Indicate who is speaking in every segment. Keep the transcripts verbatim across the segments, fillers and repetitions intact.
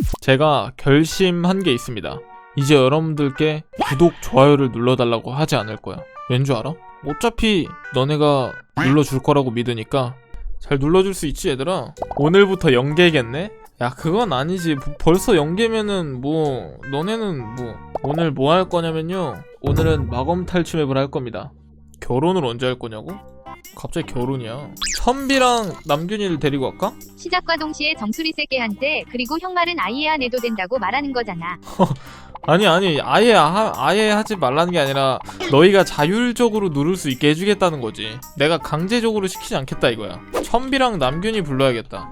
Speaker 1: 제가 결심한 게 있습니다. 이제 여러분들께 구독, 좋아요를 눌러달라고 하지 않을 거야. 왠 줄 알아? 어차피 너네가 눌러줄 거라고 믿으니까 잘 눌러줄 수 있지 얘들아? 오늘부터 연계겠네? 야 그건 아니지. 벌써 연계면은 뭐 너네는 뭐 오늘 뭐 할 거냐면요, 오늘은 마검 탈출 맵을 할 겁니다. 결혼을 언제 할 거냐고? 갑자기 결혼이야. 선비랑 남균이를 데리고 갈까?
Speaker 2: 시작과 동시에 정수리 세게 한대. 그리고 형 말은 아예 안 해도 된다고 말하는 거잖아.
Speaker 1: 아니 아니 아예 하, 아예 하지 말라는 게 아니라 너희가 자율적으로 누를 수 있게 해주겠다는 거지. 내가 강제적으로 시키지 않겠다 이거야. 선비랑 남균이 불러야겠다.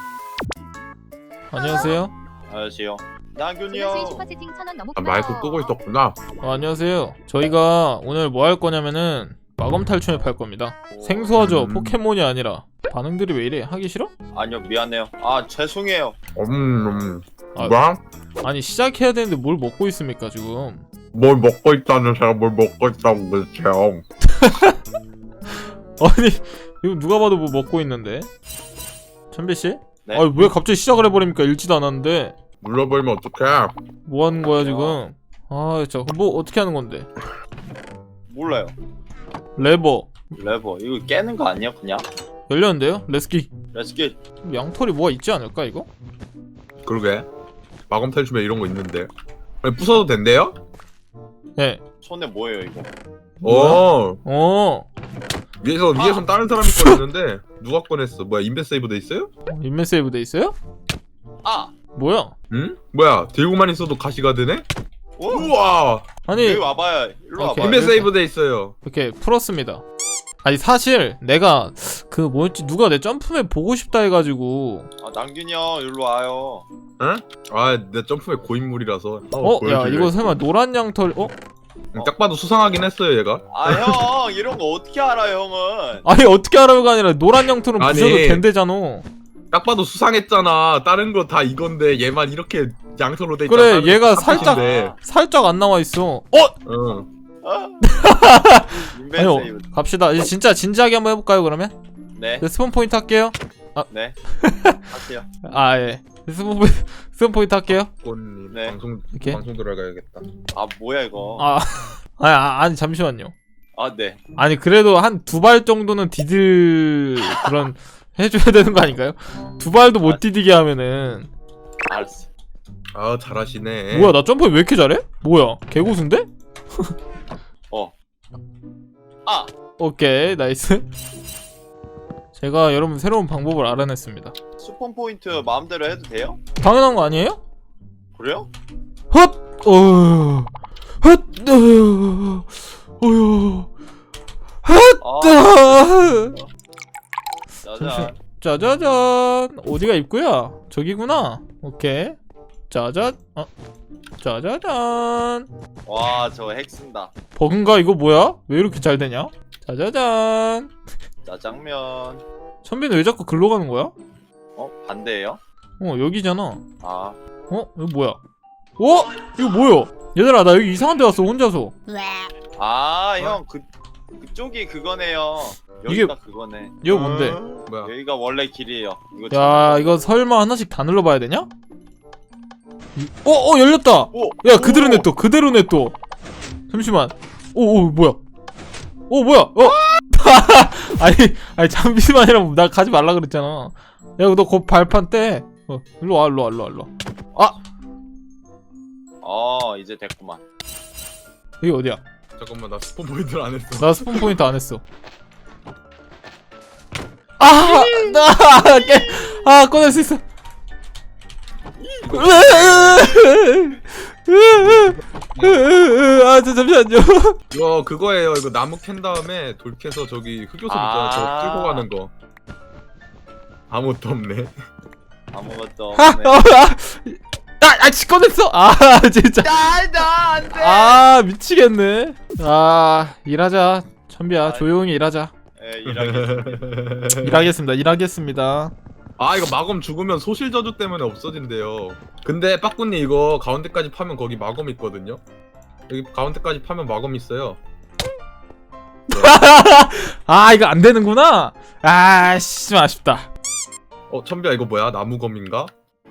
Speaker 1: 안녕하세요.
Speaker 3: 안녕하세요.
Speaker 2: 지금
Speaker 3: 남균이요.
Speaker 2: 슈퍼채팅 천 원 너무
Speaker 4: 아,
Speaker 2: 고마워.
Speaker 4: 마이크 끄고 있었구나.
Speaker 1: 어, 안녕하세요. 저희가 오늘 뭐 할 거냐면은 마검 탈출맵 할 겁니다. 생소하죠?
Speaker 4: 음.
Speaker 1: 포켓몬이 아니라. 반응들이 왜 이래? 하기 싫어?
Speaker 3: 아니요, 미안해요. 아, 죄송해요.
Speaker 4: 음, 음.
Speaker 1: 아.
Speaker 4: 뭐야?
Speaker 1: 아니 시작해야 되는데 뭘 먹고 있습니까 지금?
Speaker 4: 뭘 먹고 있다는 사람 뭘 먹고 있다고 그러세요?
Speaker 1: 아니 이거 누가 봐도 뭐 먹고 있는데? 천비씨?
Speaker 3: 네.
Speaker 1: 아니 왜 갑자기 시작을 해버립니까? 읽지도 않았는데.
Speaker 4: 눌러버리면 어떡해?
Speaker 1: 뭐 하는 거야 지금? 아 진짜 뭐 어떻게 하는 건데?
Speaker 3: 몰라요.
Speaker 1: 레버
Speaker 3: 레버. 이거 깨는 거 아니야, 그냥?
Speaker 1: 열렸는데요? 레스키.
Speaker 3: 렛츠기.
Speaker 1: 양털이 뭐가 있지 않을까 이거?
Speaker 4: 그러게. 마검 탈출에 이런 거 있는데. 아니, 부숴도 된대요?
Speaker 1: 네.
Speaker 3: 손에 뭐예요, 이거?
Speaker 4: 어.
Speaker 1: 어.
Speaker 4: 위에서 위에선 다른 사람이 꺼냈는데 누가 꺼냈어? 뭐야 인벤 세이브 돼 있어요?
Speaker 1: 인맨 세이브 돼 있어요?
Speaker 3: 아!
Speaker 1: 뭐야?
Speaker 4: 응? 뭐야 들고만 있어도 가시가 되네?
Speaker 3: 오!
Speaker 4: 우와.
Speaker 1: 아니
Speaker 3: 여기 와봐요. 일로
Speaker 1: 오케이.
Speaker 3: 와봐요.
Speaker 4: 인벤 세이브 돼 있어요.
Speaker 1: 이렇게 풀었습니다. 아니 사실 내가 그 뭐였지, 누가 내 점프맵 보고 싶다 해가지고.
Speaker 3: 아, 남균이 형, 일로 와요.
Speaker 4: 응? 아, 내 점프에 고인물이라서.
Speaker 1: 어? 야
Speaker 4: 보여줄래?
Speaker 1: 이거 설마 노란 양털? 어?
Speaker 4: 응, 딱 봐도 수상하긴 했어요 얘가.
Speaker 3: 아, 형! 이런 거 어떻게 알아, 형은?
Speaker 1: 아니 어떻게 알아요가 아니라 노란 양털은
Speaker 4: 아니.
Speaker 1: 부셔도 된대잖아.
Speaker 4: 딱 봐도 수상했잖아. 다른 거 다 이건데 얘만 이렇게 양털로 돼 있잖아.
Speaker 1: 그래
Speaker 4: 다른
Speaker 1: 얘가
Speaker 4: 거
Speaker 1: 살짝
Speaker 4: 탑이신데.
Speaker 1: 살짝 안 나와 있어. 어?
Speaker 4: 응.
Speaker 3: 어? 인벤
Speaker 1: 아니요
Speaker 3: 세이브.
Speaker 1: 갑시다. 이제 진짜 진지하게 한번 해볼까요 그러면?
Speaker 3: 네.
Speaker 1: 네, 스폰 포인트 할게요.
Speaker 3: 네. 하세요.
Speaker 1: 아 예. 스폰 포인트 스폰 포인트 할게요.
Speaker 4: 꽃님
Speaker 3: 네.
Speaker 4: 방송
Speaker 1: 이렇게.
Speaker 4: 방송 들어가야겠다.
Speaker 3: 아, 뭐야, 이거?
Speaker 1: 아 아니, 아, 아니 잠시만요.
Speaker 3: 아, 네.
Speaker 1: 아니 그래도 한 두 발 정도는 디딜 그런 해줘야 되는 거 아닌가요? 두 발도 못 디디게 하면은.
Speaker 3: 알았어.
Speaker 4: 아 잘하시네.
Speaker 1: 뭐야 나 점프 왜 이렇게 잘해? 뭐야 개고수인데?
Speaker 3: 어. 아!
Speaker 1: 오케이 나이스. 제가 여러분 새로운 방법을 알아냈습니다.
Speaker 3: 스폰 포인트 마음대로 해도 돼요?
Speaker 1: 당연한 거 아니에요?
Speaker 3: 그래요?
Speaker 1: 헛! 어... 헛! 어... 어휴...
Speaker 3: 아,
Speaker 1: 아...
Speaker 3: 짜잔.
Speaker 1: 짜자잔. 어디가 입구야? 저기구나. 오케이. 짜잔. 어. 짜자잔.
Speaker 3: 와, 저거 핵 쓴다.
Speaker 1: 버그인가 이거 뭐야? 왜 이렇게 잘 되냐? 짜자잔.
Speaker 3: 짜장면.
Speaker 1: 선배는 왜 자꾸 글로 가는 거야?
Speaker 3: 어? 반대예요?
Speaker 1: 어 여기잖아.
Speaker 3: 아,
Speaker 1: 어? 이거 뭐야? 어? 이거 뭐야? 얘들아 나 여기 이상한 데 왔어 혼자서.
Speaker 3: 아, 형, 그, 그쪽이 그거네요.
Speaker 1: 이게-
Speaker 3: 여기가 그거네.
Speaker 1: 이거 뭔데?
Speaker 4: 뭐야?
Speaker 3: 여기가 원래 길이에요. 이거
Speaker 1: 야 이거 설마 하나씩 다 눌러봐야 되냐? 이- 어? 어 열렸다!
Speaker 3: 오!
Speaker 1: 야 그대로
Speaker 3: 오!
Speaker 1: 냅둬 그대로 냅둬. 잠시만. 오오 뭐야? 오 뭐야? 어? 아니 아니 잠시만이라고 나 가지 말라 그랬잖아. 야 너 거 발판 떼. 어 일로 와 일로 와 일로 와 일로 와.
Speaker 3: 어, 이제 됐구만.
Speaker 1: 여기 어디야?
Speaker 4: 잠깐만 나 스폰 포인트를 안 했어.
Speaker 1: 나 스폰 포인트 안 했어. 아! 나 깨! 아 꺼낼 수 있어. 아 저 잠시만요.
Speaker 4: 이거 그거예요. 이거 나무 캔 다음에 돌 캐서 저기 흑요소 있잖아. 저거
Speaker 3: 아.
Speaker 4: 끌고 가는 거. 아무것도 없네.
Speaker 3: 아무것도
Speaker 1: 아,
Speaker 3: 없네.
Speaker 1: 어, 아, 아, 아, 꺼냈어. 아, 진짜.
Speaker 3: 나, 나, 안 돼!
Speaker 1: 아, 미치겠네. 아, 일하자. 천비야,
Speaker 3: 아,
Speaker 1: 조용히 일하자.
Speaker 3: 예, 일하겠습니다.
Speaker 1: 일하겠습니다. 일하겠습니다.
Speaker 4: 아 이거 마검 죽으면 소실 저주 때문에 없어진대요. 근데 빠꾸님 이거 가운데까지 파면 거기 마검 있거든요. 여기 가운데까지 파면 마검 있어요.
Speaker 1: 아, 이거 안 되는구나. 아, 씨, 좀 아쉽다.
Speaker 4: 어 천비야 이거 뭐야? 나무검인가?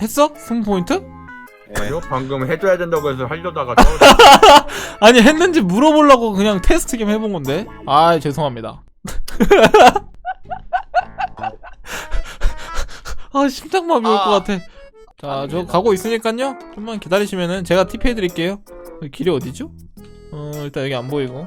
Speaker 1: 했어? 승부 포인트?
Speaker 3: 예.
Speaker 4: 아니요 방금 해줘야 된다고 해서 하려다가 떨어졌-
Speaker 1: 아니 했는지 물어보려고 그냥 테스트 겸 해본 건데. 아 죄송합니다. 아 심장마비 올 것
Speaker 3: 아.
Speaker 1: 같아. 자 저 가고 있으니까요. 좀만 기다리시면은 제가 팁 해드릴게요. 여기 길이 어디죠? 어 일단 여기 안 보이고.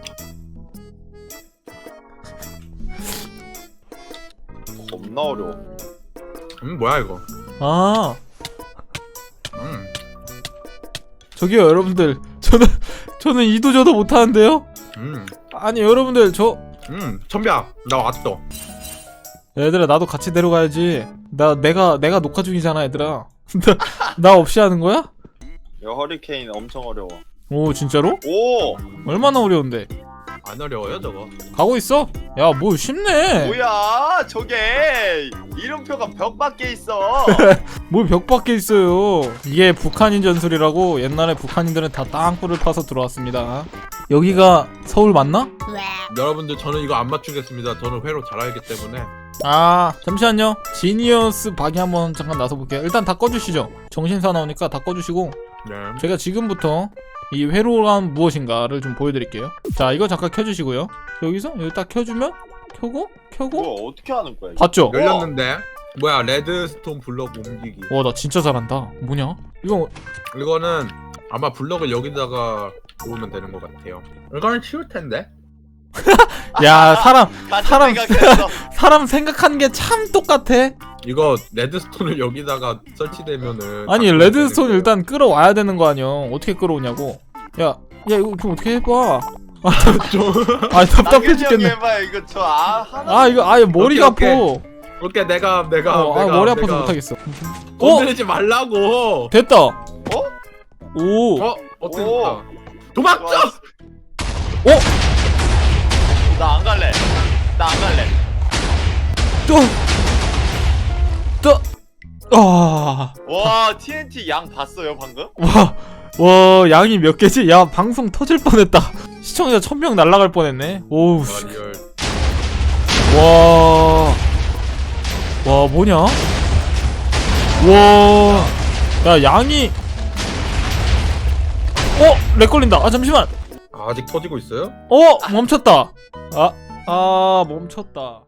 Speaker 3: 겁나 어려워.
Speaker 4: 음 뭐야 이거
Speaker 1: 아
Speaker 4: 음
Speaker 1: 저기요 여러분들. 저는 저는 이도 저도 못하는데요.
Speaker 4: 음,
Speaker 1: 아니 여러분들 저
Speaker 4: 음, 천비야, 나 왔어.
Speaker 1: 얘들아 나도 같이 데려가야지. 나 내가 내가 녹화 중이잖아 얘들아. 나, 나 없이 하는 거야?
Speaker 3: 야 허리케인 엄청 어려워.
Speaker 1: 오 진짜로?
Speaker 3: 오
Speaker 1: 얼마나 어려운데?
Speaker 4: 안 어려워요, 저거.
Speaker 1: 가고 있어? 야 뭐 쉽네.
Speaker 3: 뭐야 저게 이름표가 벽 밖에 있어.
Speaker 1: 뭐 벽 밖에 있어요. 이게 북한인 전술이라고. 옛날에 북한인들은 다 땅굴을 파서 들어왔습니다. 여기가 서울 맞나?
Speaker 4: 여러분들, 저는 이거 안 맞추겠습니다. 저는 회로 잘 알기 때문에.
Speaker 1: 아 잠시만요. 지니어스 박이 한번 잠깐 나서 볼게요. 일단 다 꺼주시죠. 정신사 나오니까 다 꺼주시고
Speaker 4: 네.
Speaker 1: 제가 지금부터 이 회로란 무엇인가를 좀 보여드릴게요. 자 이거 잠깐 켜주시고요. 여기서 여기 딱 켜주면 켜고 켜고
Speaker 3: 뭐 어떻게 하는 거야? 이거?
Speaker 1: 봤죠?
Speaker 4: 열렸는데. 뭐야, 레드스톤 블럭 옮기기.
Speaker 1: 와 나 진짜 잘한다. 뭐냐? 이거
Speaker 4: 이거는 아마 블럭을 여기다가 놓으면 되는 것 같아요. 이거는 쉬울 텐데.
Speaker 1: 야 사람
Speaker 3: 같은
Speaker 1: 사람-
Speaker 3: 생각했어.
Speaker 1: 사람 생각하는 게 참 똑같아.
Speaker 4: 이거 레드스톤을 여기다가 설치되면은.
Speaker 1: 아니
Speaker 4: 바꾸면
Speaker 1: 레드스톤
Speaker 4: 되는
Speaker 1: 일단 끌어와야 되는 거 아니야. 어떻게 끌어오냐고. 야, 야 이거 좀 어떻게 해봐. 아, 아 답답해
Speaker 3: 나균이 형이
Speaker 1: 죽겠네.
Speaker 3: 해봐요. 이거 저 아 하나.
Speaker 1: 아 이거 아예 머리가
Speaker 4: 오케이,
Speaker 1: 아파.
Speaker 4: 오케이. 오케이, 내가 내가
Speaker 1: 어, 아
Speaker 4: 내가
Speaker 1: 머리 아파서
Speaker 4: 내가
Speaker 1: 못하겠어. 어
Speaker 4: 건드리지 말라고.
Speaker 1: 됐다.
Speaker 3: 어?
Speaker 1: 오.
Speaker 4: 어? 어떻게
Speaker 3: 오.
Speaker 4: 됐다. 도망쳐.
Speaker 3: 나 안 갈래. 나 안 갈래.
Speaker 1: 또. 또. 아.
Speaker 3: 와 티엔티 양 봤어요 방금?
Speaker 1: 와. 와 양이 몇 개지? 야 방송 터질 뻔했다. 시청자 천 명 날라갈 뻔했네. 오우. 씨.
Speaker 4: 아, 리얼.
Speaker 1: 와. 와, 뭐냐? 와. 야, 양이. 어, 렉 걸린다. 아, 잠시만.
Speaker 4: 아, 아직 터지고 있어요?
Speaker 1: 어, 멈췄다. 아, 아, 멈췄다.